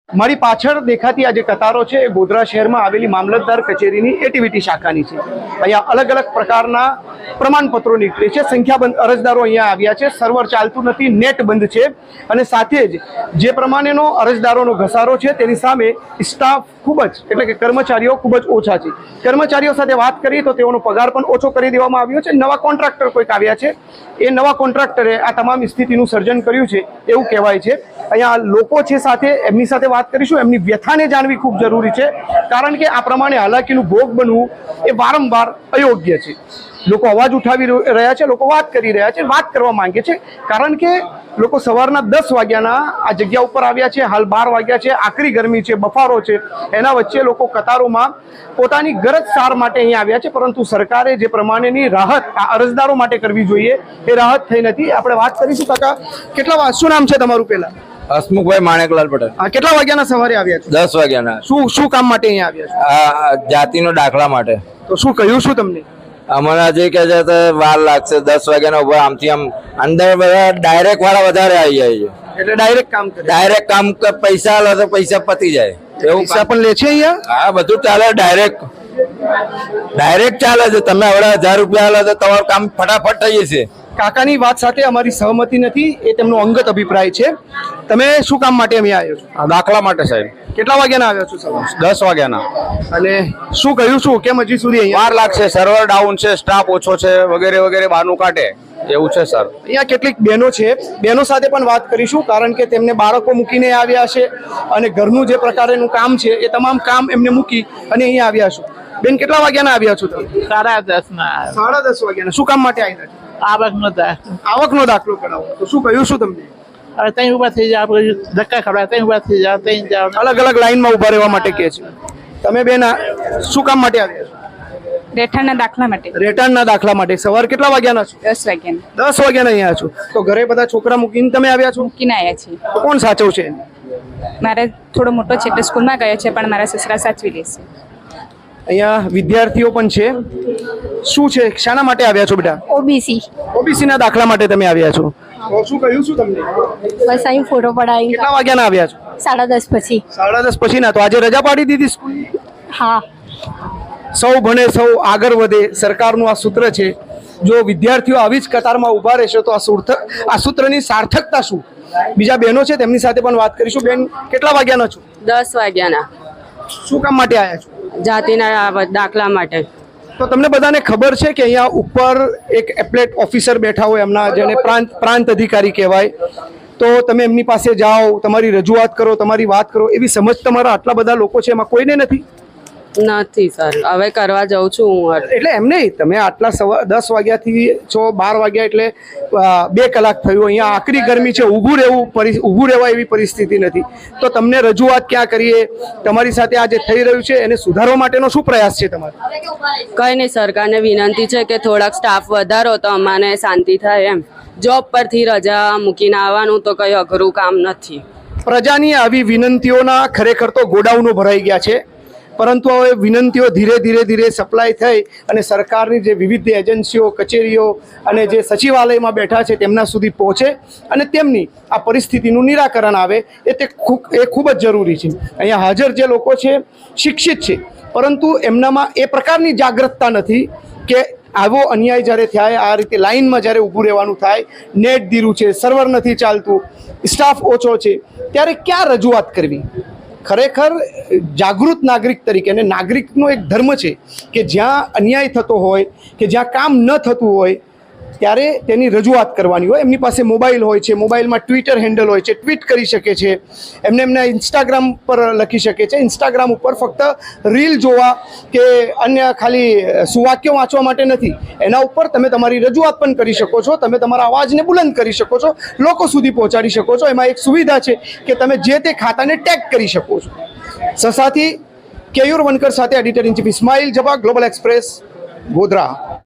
મારી પાછળ દેખાતી આ જે કતારો છે એ ગોધરા શહેરમાં આવેલી મામલતદાર કચેરીની એટીવીટી શાખાની છે। અહીંયા અલગ અલગ પ્રકારના પ્રમાણપત્રો નીકળે છે। સંખ્યાબંધ અરજદારો અહીંયા આવ્યા છે। સર્વર ચાલતું નથી, નેટ બંધ છે અને સાથે જ જે પ્રમાણેનો અરજદારોનો ઘસારો છે તેની સામે સ્ટાફ ખૂબ જ એટલે કે કર્મચારીઓ ખૂબ જ ઓછા છે। કર્મચારીઓ સાથે વાત કરીએ તો તેઓનો પગાર પણ ઓછો કરી દેવામાં આવ્યો છે। નવા કોન્ટ્રાક્ટર કોઈક આવ્યા છે, એ નવા કોન્ટ્રાક્ટરે આ તમામ સ્થિતિનું સર્જન કર્યું છે એવું કહેવાય છે। અહીંયા લોકો છે સાથે એમની સાથે વાત કરીશું। એમની વ્યથાને જાણવી ખૂબ જરૂરી છે, કારણ કે આ પ્રમાણે હાલાકીનું ભોગ બનવું એ વારંવાર અયોગ્ય છે। લોકો અવાજ ઉઠાવી રહ્યા છે, લોકો વાત કરી રહ્યા છે, વાત કરવા માંગે છે, કારણ કે લોકો સવારના 10 વાગ્યાના આ જગ્યા ઉપર આવ્યા છે। હાલ 12 વાગ્યા છે, આકરી ગરમી છે, બફારો છે, એના વચ્ચે લોકો કતારોમાં પોતાની ગરજ સાર માટે અહીંયા આવ્યા છે, પરંતુ સરકારે જે પ્રમાણેની રાહત આ અરજદારો માટે કરવી જોઈએ એ રાહત થઈ નથી। આપણે વાત કરીશું। કાકા, કેટલા શું નામ છે તમારું? પહેલા હસમુખભાઈ માણેકલાલ પટેલ। કેટલા વાગ્યાના સવારે આવ્યા છો? 10 વાગ્યાના। શું કામ માટે અહીંયા આવ્યા છો? જાતિનો દાખલા માટે। તો શું કહ્યું શું તમને? અમને હજી કે છે વાર લાગશે। 10 વાગ્યાના ઉભા આમથી આમ અંદર બધા ડાયરેક્ટ વાળા વધારે આવી જાય છે, એટલે ડાયરેક્ટ કામ કરે? ડાયરેક્ટ કામ પૈસા આલો તો પૈસા પતી જાય એવું પૈસા પણ લે છે અહીંયા? હા, બધું ચાલે, ડાયરેક્ટ ચાલે છે। તમે હવે 1000 રૂપિયા આલો તો તમારું કામ ફટાફટ થઈ જશે। કાકાની વાત સાથે અમારી સહમતિ નથી, એ તેમનો અંગત અભિપ્રાય છે। તમે શું કામ માટે અહીંયા આવ્યો છો? દાખલા માટે સાહેબ। કેટલા વાગ્યાના આવ્યા છો? સવારે 10 વાગ્યાના। અને શું કહ્યું શું? કેમ હજી સુધી અહીંયા વાર લાગશે? સર્વર ડાઉન છે, સ્ટાફ ઓછો છે, વગેરે વગેરે બહાનું કાઢે એવું છે સર। અહીંયા કેટલીક બહેનો છે, બહેનો સાથે પણ વાત કરીશું, કારણ કે તેમને બાળકો મૂકીને આવ્યા છે અને ઘરનું જે પ્રકારનું કામ છે એ તમામ કામ એમને મૂકી અને અહીંયા આવ્યા છો। બેન, કેટલા વાગ્યાના આવ્યા છો તમે? 10:30 10:30 વાગ્યાના। શું કામ માટે આવ્યા છો? આવકનો દાખલો કઢાવો। તો શું કહ્યું શું તમને? હવે ત્યાં ઉભા થઈ જાવ, ધક્કા ખવડાવે, ત્યાં ઉભા થઈ જાવ, ત્યાં જાવ, અલગ અલગ લાઈનમાં ઉભા રહેવા માટે કહે છે। તમે બેન શું કામ માટે આવ્યા છો? રહેઠાણના દાખલા માટે। રહેઠાણના દાખલા માટે। સવાર કેટલા વાગ્યાના છો? 10 વાગ્યાના। 10 વાગ્યાના અહીંયા છો? તો ઘરે બધા છોકરા મૂકીને તમે આવ્યા છો? મૂકીને આવ્યા છીએ। તો કોણ સાચવશે? મારે થોડો મોટો છે એટલે સ્કૂલમાં ગયો છે, પણ મારા સસરા સાચવી લેશે। અહીંયા વિદ્યાર્થીઓ પણ છે। શું છે, શાના માટે આવ્યા છો બેટા? ઓબીસી ઓબીસીના દાખલા માટે તમે આવ્યા છો? તો શું કહ્યું શું તમને? બસ અહીં ફોટો પડાવી। કેટલા વાગ્યાના આવ્યા છો? 10:30 પછી। 10:30 પછી ના? તો આજે રજા પાડી દીધી સ્કૂલ? હા, સૌ ભણે સૌ આગળ વધે સરકારનું આ સૂત્ર છે। જો વિદ્યાર્થીઓ આવી જ કતારમાં ઊભા રહેશે તો આ સૂત્રની સાર્થકતા શું? બીજા બહેનો છે, તેમની સાથે પણ વાત કરીશું। બેન, કેટલા વાગ્યાના છો? 10 વાગ્યાના। શું કામ માટે આવ્યા છો? જાતિના દાખલા માટે। તો તમને બધાને ખબર છે કે અહીંયા ઉપર એક એપ્લેટ ઓફિસર બેઠા હોય, એમના જેને પ્રાંત અધિકારી કહેવાય, તો તમે એમની પાસે જાઓ, તમારી રજૂઆત કરો, તમારી વાત કરો, એવી સમજ તમારા આટલા બધા લોકો છે એમાં કોઈને નથી? નથી સર, હવે કરવા જાઉં છું હું। એટલે એમ નહીં, તમે આટલા 10 વાગ્યાથી છો, 12 વાગ્યા એટલે 2 કલાક થયું। અહીંયા આકરી ગરમી છે, ઊભું રહેવા એવી પરિસ્થિતિ નથી, તો તમને રજૂઆત ક્યાં કરીએ? તમારી સાથે આ જે થઈ રહ્યું છે એને સુધારવા માટેનો શું પ્રયાસ છે તમારો? કઈ નહીં, સરકારને વિનંતી છે કે થોડાક સ્ટાફ વધારો તો અમને શાંતિ થાય એમ। જોબ પરથી રજા મૂકીને આવવાનું તો કઈ અઘરું કામ નથી। પ્રજાની આવી વિનંતીઓના ખરેખર તો ગોડાઉનો ભરાઈ ગયા છે, પરંતુ હવે વિનંતીઓ ધીરે સપ્લાય થઈ અને સરકારની જે વિવિધ એજન્સીઓ, કચેરીઓ અને જે સચિવાલયમાં બેઠા છે તેમના સુધી પહોંચે અને તેમની આ પરિસ્થિતિનું નિરાકરણ આવે એ ખૂબ જ જરૂરી છે। અહીંયા હાજર જે લોકો છે શિક્ષિત છે, પરંતુ એમનામાં એ પ્રકારની જાગૃતતા નથી કે આવો અન્યાય જ્યારે થાય, આ રીતે લાઇનમાં જ્યારે ઊભું રહેવાનું થાય, નેટ ધીરું છે, સર્વર નથી ચાલતું, સ્ટાફ ઓછો છે, ત્યારે ક્યાં રજૂઆત કરવી? ખરેખર જાગૃત નાગરિક તરીકે, અને નાગરિકનો એક ધર્મ છે કે જ્યાં અન્યાય થતો હોય કે જ્યાં કામ ન થતું હોય ત્યારે તેની રજૂઆત કરવાની હોય। એમની પાસે મોબાઈલ હોય છે, મોબાઈલમાં ટ્વિટર હેન્ડલ હોય છે, ટ્વીટ કરી શકે છે, એમના ઇન્સ્ટાગ્રામ પર લખી શકે છે। ઇન્સ્ટાગ્રામ ઉપર ફક્ત રીલ જોવા કે અન્ય ખાલી સુવાક્યો વાંચવા માટે નથી, એના ઉપર તમે તમારી રજૂઆત પણ કરી શકો છો, તમે તમારા અવાજને બુલંદ કરી શકો છો, લોકો સુધી પહોંચાડી શકો છો। એમાં એક સુવિધા છે કે તમે જે તે ખાતાને ટેગ કરી શકો છો। સસાથી કેયુર વનકર સાથે editor in chief Ismail Jaba, global express, Godhra.